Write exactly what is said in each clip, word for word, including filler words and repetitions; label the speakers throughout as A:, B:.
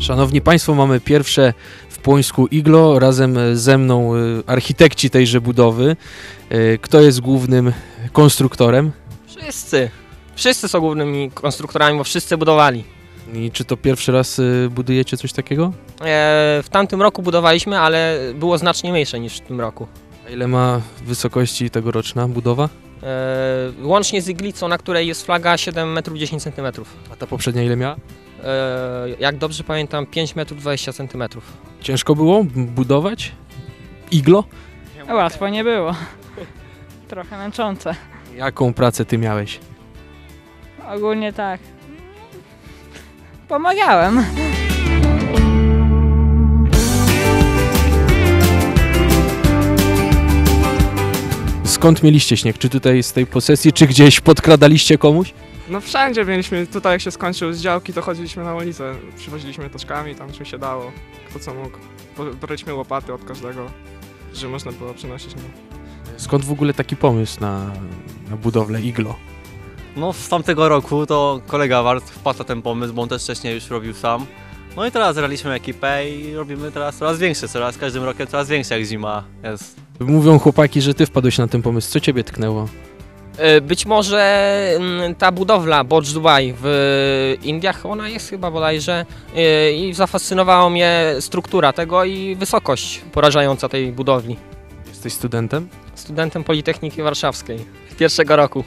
A: Szanowni Państwo, mamy pierwsze w Płońsku iglo, razem ze mną architekci tejże budowy. Kto jest głównym konstruktorem?
B: Wszyscy. Wszyscy są głównymi konstruktorami, bo wszyscy budowali.
A: I czy to pierwszy raz budujecie coś takiego?
B: E, w tamtym roku budowaliśmy, ale było znacznie mniejsze niż w tym roku.
A: A ile ma wysokości tegoroczna budowa?
B: E, łącznie z iglicą, na której jest flaga, siedem metrów dziesięć centymetrów.
A: A ta poprzednia ile miała?
B: E, jak dobrze pamiętam, pięć metrów dwadzieścia centymetrów.
A: Ciężko było budować iglo?
C: Łatwo nie było. Trochę męczące.
A: Jaką pracę ty miałeś?
C: Ogólnie tak. Pomagałem.
A: Skąd mieliście śnieg? Czy tutaj z tej posesji, czy gdzieś podkradaliście komuś?
D: No wszędzie mieliśmy, tutaj jak się skończył z działki, to chodziliśmy na ulicę, przywoziliśmy taczkami, tam czym się dało, kto co mógł. Braliśmy łopaty od każdego, że można było przynosić. No.
A: Skąd w ogóle taki pomysł na, na budowlę iglo?
E: No z tamtego roku to kolega Wart wpadł na ten pomysł, bo on też wcześniej już robił sam. No i teraz zrealiśmy ekipę i robimy teraz coraz większe, coraz każdym rokiem coraz większe jak zima jest.
A: Mówią chłopaki, że ty wpadłeś na ten pomysł. Co ciebie tknęło?
B: E, być może m, ta budowla Bodge Dubai w Indiach, ona jest chyba bodajże, e, i zafascynowała mnie struktura tego i wysokość porażająca tej budowli.
A: Jesteś studentem?
B: Studentem Politechniki Warszawskiej pierwszego roku.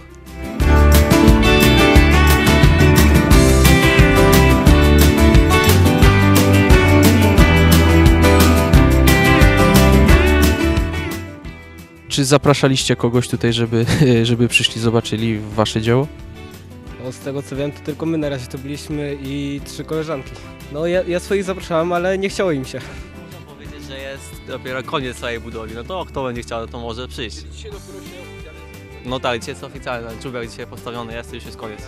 A: Czy zapraszaliście kogoś tutaj, żeby, żeby przyszli, zobaczyli wasze dzieło?
F: No, z tego co wiem, to tylko my na razie to byliśmy i trzy koleżanki. No ja, ja swoich zapraszałem, ale nie chciało im się.
E: Można powiedzieć, że jest dopiero koniec całej budowli, no to kto będzie chciał, to może przyjść. No tak, dzisiaj jest oficjalne, czubek dzisiaj postawiony jest i już jest koniec.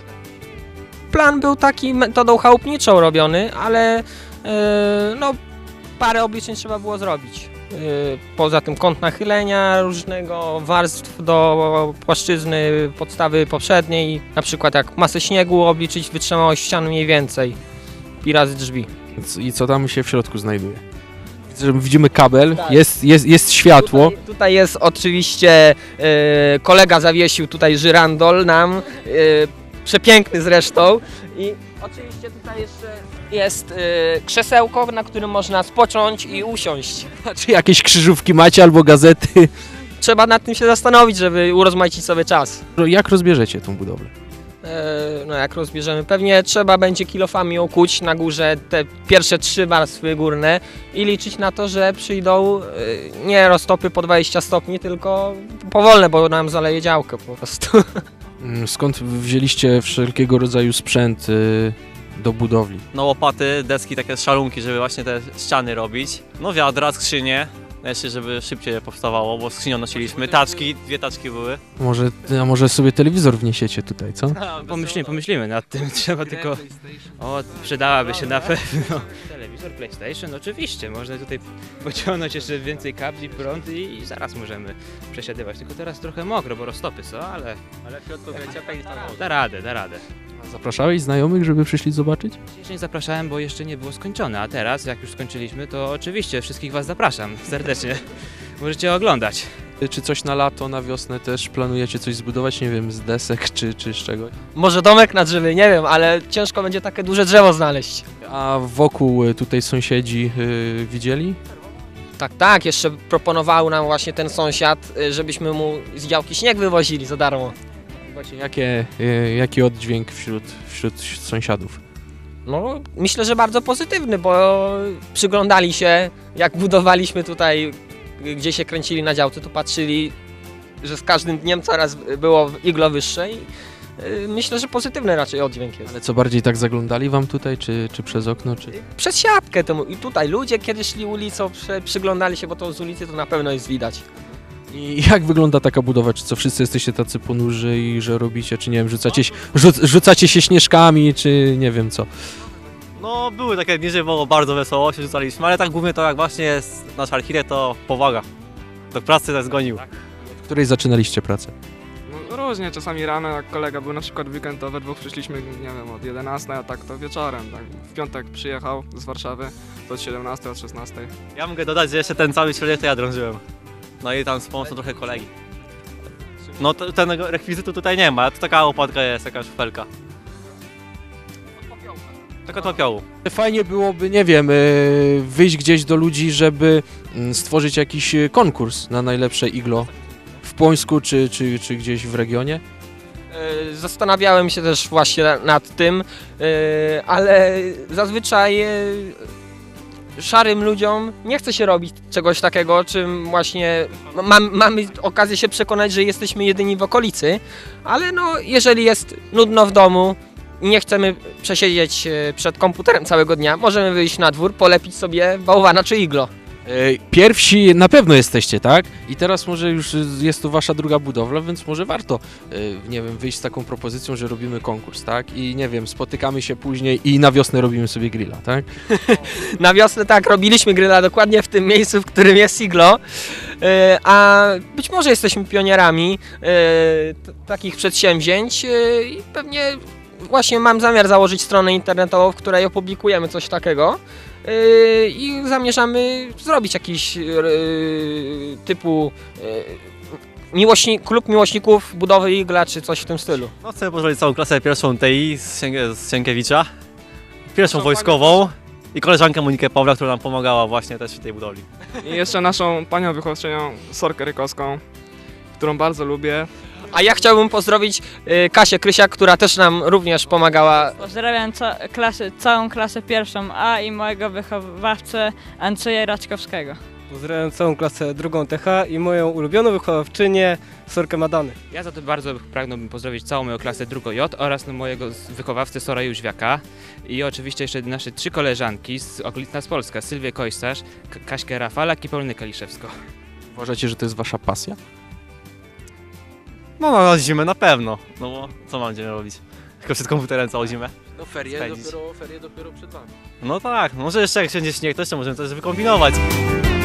B: Plan był taki metodą chałupniczą robiony, ale e, no, parę obliczeń trzeba było zrobić. Poza tym kąt nachylenia różnego warstw do płaszczyzny podstawy poprzedniej, na przykład jak masę śniegu obliczyć wytrzymałość ścian mniej więcej i razy drzwi.
A: I co tam się w środku znajduje? Widzę, że widzimy kabel,
B: Tak.
A: jest, jest, jest światło.
B: Tutaj, tutaj jest oczywiście, e, kolega zawiesił tutaj żyrandol nam, e, przepiękny zresztą i oczywiście tutaj jeszcze jest e, krzesełko, na którym można spocząć i usiąść.
A: Czy jakieś krzyżówki macie albo gazety?
B: Trzeba nad tym się zastanowić, żeby urozmaicić sobie czas.
A: Jak rozbierzecie tą budowlę?
B: E, no jak rozbierzemy, pewnie trzeba będzie kilofami okuć na górze te pierwsze trzy warstwy górne i liczyć na to, że przyjdą e, nie roztopy po dwadzieścia stopni, tylko powolne, bo nam zaleje działkę po prostu.
A: Skąd wzięliście wszelkiego rodzaju sprzęt y, do budowli?
E: No łopaty, deski, takie szalunki, żeby właśnie te ściany robić. No wiadra, skrzynie, jeszcze żeby szybciej powstawało, bo skrzynią nosiliśmy. Taczki, dwie taczki były.
A: Może, a może sobie telewizor wniesiecie tutaj, co?
G: Pomyślimy, pomyślimy nad tym, trzeba tylko... O, przydałaby się na pewno. Telewizor, PlayStation, oczywiście, można tutaj pociągnąć jeszcze więcej kabli, prąd i, i zaraz możemy przesiadywać. Tylko teraz trochę mokro, bo roztopy są, ale...
E: Ale w środku ciepłej i tam
G: Da radę, da radę.
A: Zapraszałeś znajomych, żeby przyszli zobaczyć?
G: Jeszcze nie zapraszałem, bo jeszcze nie było skończone, a teraz, jak już skończyliśmy, to oczywiście wszystkich was zapraszam serdecznie. Możecie oglądać.
A: Czy coś na lato, na wiosnę też planujecie coś zbudować, nie wiem, z desek czy, czy z czegoś?
B: Może domek na drzewie, nie wiem, ale ciężko będzie takie duże drzewo znaleźć.
A: A wokół tutaj sąsiedzi yy, widzieli?
B: Tak, tak, jeszcze proponował nam właśnie ten sąsiad, y, żebyśmy mu z działki śnieg wywozili za darmo.
A: Właśnie jakie, yy, jaki oddźwięk wśród, wśród sąsiadów?
B: No, myślę, że bardzo pozytywny, bo przyglądali się, jak budowaliśmy tutaj, gdzie się kręcili na działce, to patrzyli, że z każdym dniem coraz było iglo wyższe i y, myślę, że pozytywny raczej oddźwięk jest.
A: Ale co bardziej tak zaglądali wam tutaj, czy, czy przez okno, czy...
B: Przez siatkę temu i tutaj ludzie kiedy szli ulicą, przy, przyglądali się, bo to z ulicy to na pewno jest widać.
A: I jak wygląda taka budowa? Czy co, wszyscy jesteście tacy ponurzy i że robicie, czy nie wiem, rzucacie, rzuc, rzucacie się śnieżkami, czy nie wiem co?
E: No były takie dni, że było bardzo wesoło, się rzucaliśmy, ale tak głównie to jak właśnie jest nasz architekt, to powaga. Do pracy nas zgonił.
A: W której zaczynaliście pracę?
D: Różnie, czasami rano, jak kolega był na przykład w weekend, to we dwóch przyszliśmy, nie wiem, od jedenastej, a tak to wieczorem. Tak. W piątek przyjechał z Warszawy, to od siedemnastej, od szesnastej.
E: Ja mogę dodać, że jeszcze ten cały środek to ja drążyłem. No i tam z pomocą trochę kolegi. No to, tego rekwizytu tutaj nie ma, to taka łopatka jest, taka szfelka. Taka od popiołu.
A: Fajnie byłoby, nie wiem, y, wyjść gdzieś do ludzi, żeby mm, stworzyć jakiś y, konkurs na najlepsze iglo w Płońsku czy, czy, czy gdzieś w regionie.
B: E, Zastanawiałem się też właśnie na- nad tym, e, ale zazwyczaj e, szarym ludziom nie chce się robić czegoś takiego, czym właśnie mam, mamy okazję się przekonać, że jesteśmy jedyni w okolicy, ale no jeżeli jest nudno w domu i nie chcemy przesiedzieć e, przed komputerem całego dnia, możemy wyjść na dwór, polepić sobie bałwana czy iglo.
A: Y, Pierwsi na pewno jesteście, tak? I teraz może już y, jest tu wasza druga budowla, więc może warto, y, nie wiem, wyjść z taką propozycją, że robimy konkurs, tak? I nie wiem, spotykamy się później i na wiosnę robimy sobie grilla, tak?
B: Na wiosnę tak, robiliśmy gryla dokładnie w tym miejscu, w którym jest iglo, e, a być może jesteśmy pionierami e, t- takich przedsięwzięć e, i pewnie właśnie mam zamiar założyć stronę internetową, w której opublikujemy coś takiego e, i zamierzamy zrobić jakiś e, typu e, miłośni, klub miłośników budowy igla czy coś w tym stylu.
E: No chcę pozdrowić całą klasę pierwszą T I z, Sienkie, z Sienkiewicza, pierwszą
D: Są
E: wojskową i koleżankę Monikę Pawła, która nam pomagała właśnie też w tej budowli.
D: I jeszcze naszą panią wychowawczynią Sorkę Rykowską, którą bardzo lubię.
B: A ja chciałbym pozdrowić e, Kasię Krysiak, która też nam również pomagała.
C: Pozdrawiam ca klasy, całą klasę pierwszą A i mojego wychowawcę Andrzeja Raczkowskiego.
F: Pozdrawiam całą klasę drugą T H i moją ulubioną wychowawczynię Sorkę Madany.
G: Ja za to bardzo pragnąłbym pozdrowić całą moją klasę drugą J oraz no mojego z- wychowawcę Sora Jóźwiaka i oczywiście jeszcze nasze trzy koleżanki z okolic nas Polska, Sylwię Kojsarz, K- Kaśkę Rafalak i Paulinę Kaliszewską.
A: Uważacie, że to jest wasza pasja?
E: No, no na zimę na pewno, no bo co mam dzień robić? Tylko przed komputerem całą zimę?
A: No ferie
E: Spędzić.
A: dopiero, ferie dopiero przed wami.
E: No tak, może jeszcze jak wszędzie śnieg, to jeszcze możemy coś wykombinować.